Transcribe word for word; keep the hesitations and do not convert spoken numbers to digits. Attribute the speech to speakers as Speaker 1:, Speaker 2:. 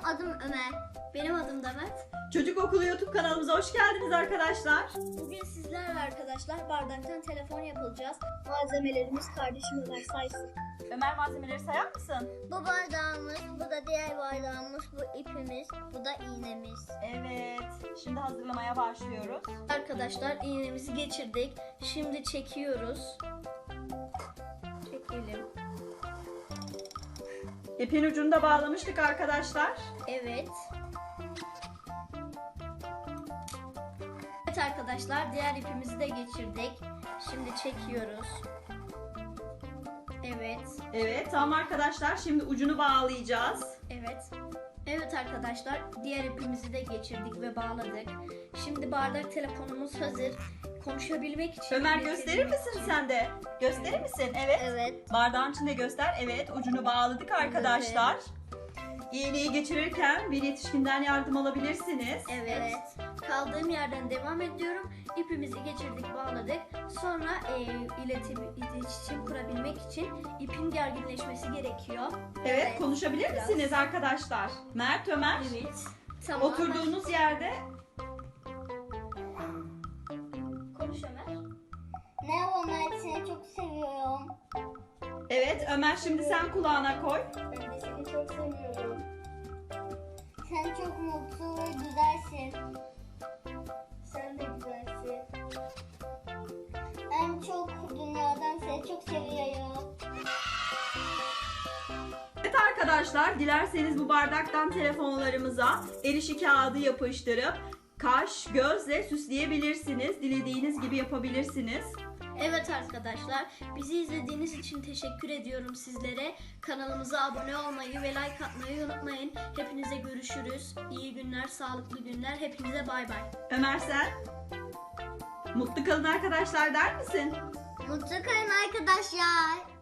Speaker 1: adım Ömer. Benim adım da Mert.
Speaker 2: Çocuk Okulu YouTube kanalımıza hoş geldiniz arkadaşlar.
Speaker 1: Bugün sizlerle arkadaşlar bardaktan telefon yapılacağız. Malzemelerimiz kardeşim Ömer saysın.
Speaker 2: Ömer, malzemeleri sayar mısın?
Speaker 1: Bu bardağımız, bu da diğer bardağımız, bu ipimiz, bu da iğnemiz.
Speaker 2: Evet. Şimdi hazırlamaya başlıyoruz.
Speaker 1: Arkadaşlar iğnemizi geçirdik. Şimdi çekiyoruz. Çekelim.
Speaker 2: İpin ucunu da bağlamıştık arkadaşlar.
Speaker 1: Evet. Evet arkadaşlar, diğer ipimizi de geçirdik. Şimdi çekiyoruz. Evet.
Speaker 2: Evet, tamam arkadaşlar. Şimdi ucunu bağlayacağız.
Speaker 1: Evet. Evet arkadaşlar, diğer ipimizi de geçirdik ve bağladık. Şimdi bardak telefonumuz hazır. Konuşabilmek için...
Speaker 2: Ömer, gösterir misin sen de? Gösterir misin? Evet.
Speaker 1: Evet.
Speaker 2: Bardağın içinde göster. Evet, ucunu bağladık arkadaşlar. İğneyi geçirirken bir yetişkinden yardım alabilirsiniz.
Speaker 1: Evet. Kaldığım yerden devam ediyorum. İpimizi geçirdik, bağladık. Sonra e, iletim, iletişim kurabilmek için ipin gerginleşmesi gerekiyor.
Speaker 2: Evet, konuşabilir
Speaker 1: Biraz.
Speaker 2: misiniz arkadaşlar? Mert, Ömer.
Speaker 1: Evet. Tamam.
Speaker 2: Oturduğunuz yerde
Speaker 1: Konuş Ömer.
Speaker 3: Merhaba Mert, seni çok seviyorum.
Speaker 2: evet, Ömer, şimdi sen kulağına koy.
Speaker 3: Ben de seni çok seviyorum. Sen çok mutlu ve güzelsin. Sen de güzelsin. En çok dünyadan seni çok seviyorum.
Speaker 2: Evet arkadaşlar, dilerseniz bu bardaktan telefonlarımıza el işi kağıdı yapıştırıp kaş, gözle süsleyebilirsiniz. Dilediğiniz gibi yapabilirsiniz.
Speaker 1: Evet arkadaşlar, bizi izlediğiniz için teşekkür ediyorum sizlere. Kanalımıza abone olmayı ve like atmayı unutmayın. Hepinize görüşürüz. İyi günler, sağlıklı günler. Hepinize bay bay.
Speaker 2: Ömer, sen? Mutlu kalın arkadaşlar der misin?
Speaker 3: Mutlu kalın arkadaşlar.